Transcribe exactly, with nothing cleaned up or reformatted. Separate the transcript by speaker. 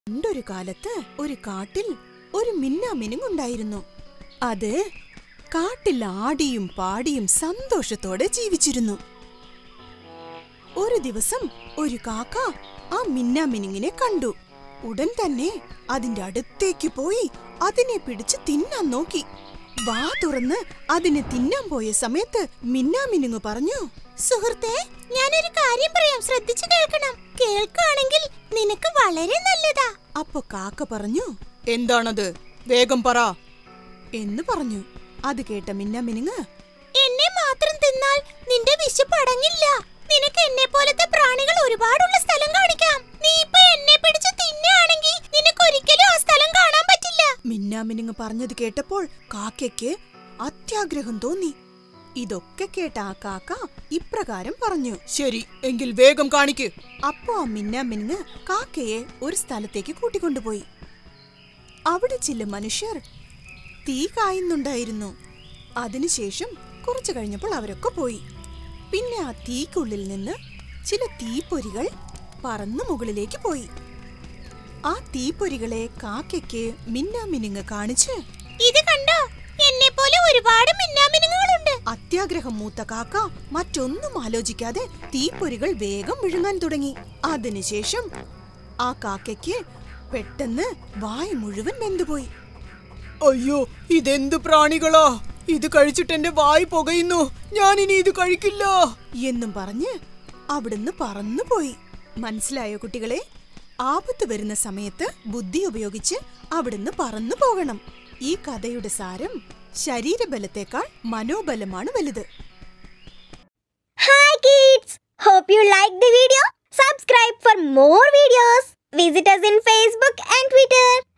Speaker 1: പണ്ടൊരു കാലത്ത് ഒരു കാട്ടിൽ ഒരു മിന്നാമിനുങ്ങുണ്ടായിരുന്നു. അത് കാട്ടിൽ ആടിയും പാടിയും സന്തോഷത്തോടെ ജീവിച്ചിരുന്നു. ഒരു ദിവസം ഒരു കാക്ക ആ മിന്നാമിനുങ്ങിനെ കണ്ടു. ഉടൻ തന്നെ അതിന്റെ അടുത്തേക്ക് പോയി അതിനെ പിടിച്ച് തിന്നാൻ നോക്കി. വാ തുറന്ന് അതിനെ തിന്നാൻ പോയ സമയത്ത് മിന്നാമിനുങ്ങ് പറഞ്ഞു, സുഹൃത്തേ, ഞാനൊരു കാര്യം പറയാം, ശ്രദ്ധിച്ചു കേൾക്കണം. കേൾക്കുകയാണെങ്കിൽ നിനക്ക് വളരെ നല്ലതാ. അപ്പൊ കാക്ക പറഞ്ഞു, എന്താണത്, വേഗം പറ എന്ന് പറഞ്ഞു. അത് കേട്ട മിന്നാമിനുങ്ങ്, എന്നെ മാത്രം തിന്നാൽ നിന്റെ വിശപ്പ് അടങ്ങില്ല. നിനക്ക് എന്നെ പോലത്തെ പ്രാണികൾ ഒരുപാടുള്ള സ്ഥലം കാണിക്കാം. നീ ഇപ്പൊ എന്നെ പിടിച്ച് തിന്നുകയാണെങ്കിൽ നിനക്ക് ഒരിക്കലും ആ സ്ഥലം കാണാൻ പറ്റില്ല. മിന്നാമിനുങ്ങ് പറഞ്ഞത് കേട്ടപ്പോൾ കാക്കയ്ക്ക് അത്യാഗ്രഹം തോന്നി. ഇതൊക്കെ കേട്ട ആ കാക്ക ഇപ്രകാരം പറഞ്ഞു, ശരി, എങ്കിൽ വേഗം കാണിക്ക്. അപ്പോ ആ മിന്നാമിനുങ്ങ് കാക്കയെ ഒരു സ്ഥലത്തേക്ക് കൂട്ടിക്കൊണ്ടുപോയി. അവിടെ ചില മനുഷ്യർ തീ കായുന്നുണ്ടായിരുന്നു. അതിനുശേഷം കുറച്ചു കഴിഞ്ഞപ്പോൾ അവരൊക്കെ പോയി. പിന്നെ ആ തീക്കുള്ളിൽ നിന്ന് ചില തീപ്പൊരികൾ പറന്നു മുകളിലേക്ക് പോയി. ആ തീപ്പൊരികളെ കാക്കയ്ക്ക് മിന്നാമിനുങ്ങ് കാണിച്ച്, ഇത് കണ്ടോ, എന്നെ പോലെ ഒരുപാട് മിന്നാമിനുങ്ങളുണ്ട്. അത്യാഗ്രഹം മൂത്ത കാക്ക മറ്റൊന്നും ആലോചിക്കാതെ തീപ്പൊരികൾ വേഗം വിഴുങ്ങാൻ തുടങ്ങി. അതിനുശേഷം ആ കാക്കയ്ക്ക് പെട്ടെന്ന് വായ മുഴുവൻ വെന്തുപോയി. അയ്യോ, ഇതെന്ത് പ്രാണികളാ, ഇത് കഴിച്ചിട്ട് എന്റെ വായ് പുകയുന്നു, ഞാനിനി ഇത് കഴിക്കില്ല എന്നും പറഞ്ഞ് അവിടുന്ന് പറന്നുപോയി. മനസ്സിലായോ കുട്ടികളെ? ആപത്ത് വരുന്ന സമയത്ത് ബുദ്ധി ഉപയോഗിച്ച് അവിടുന്ന് പറന്നു പോകണം. ഈ കഥയുടെ സാരം ശരീരബലത്തേക്കാൾ മനോബലമാണ് വലുത്.
Speaker 2: Hi kids! Hope you like the video. Subscribe for more videos. Visit us in Facebook and Twitter.